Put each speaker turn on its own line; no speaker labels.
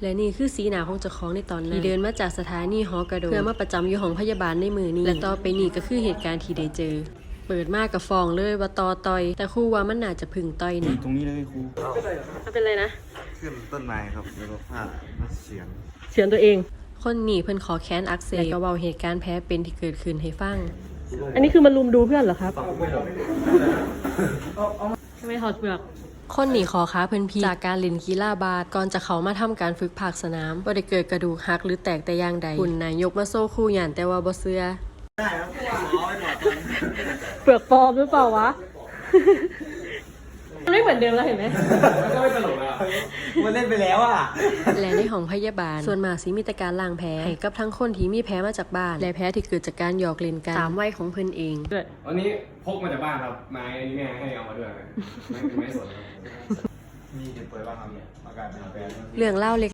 และนี่คือสีหน้าของเจ้าของในตอนนั้นที่เดินมาจากสถานีหอกระโดดเพื่อมาประจำอยู่ห้องพยาบาลในมือนี้และต่อไปนี้ก็คือเหตุการณ์ที่ได้เจอเปิดมากกับฟองเลยว่าต่อยแต่ครูว่ามันน่าจะพึ่งต่อยนะ
ตรงนี้เลยครู
มันเป็นอะไรนะ
ขึ้นต้นไม้ครับแล้วก็พลาดเสียง
เสียงตัวเองคนหนีเพิ่นขอแค้นอักเสบและก็เว้าเหตุการณ์แพ้เป็นที่เกิดขึ้นให้ฟังอันนี้คือมันลุมดูเพื่อนเหรอครับไม่ถอดเปลือกคนหนีขอค้าเพิ่นพีจากการเล่นกีฬาบาสก่อนจะเขามาทำการฝึกภาคสนามบ่ได้เกิดกระดูกหักหรือแตกแต่อย่างใดคุณนายยกมาโซ่คู่หยันแต่ว่าบ่เชื่อเปลือกปลอมหรือเปล่าวะไม่เหมือนเดิมแล้วเห็นไหมก็ไม่ตลกแล้วมันเล่นไปแล้วอ่ะและในห้องพยาบาลส่วนมากสิมีแต่การล้างแผลให้กับทั้งคนที่มีแผลมาจากบ้านและแผลที่เกิดจากการหยอกเล่นกันตามวัยของเพิ่นเอง
อันนี้พกมาจากบ้านครับไม้อันนี้แม่ให้เอามาด้วยไม้สดครับ
มีเด็กเปิดว่าทำเนี่ยอาการเป็นแฟน
เรื่องเล่าเล็ก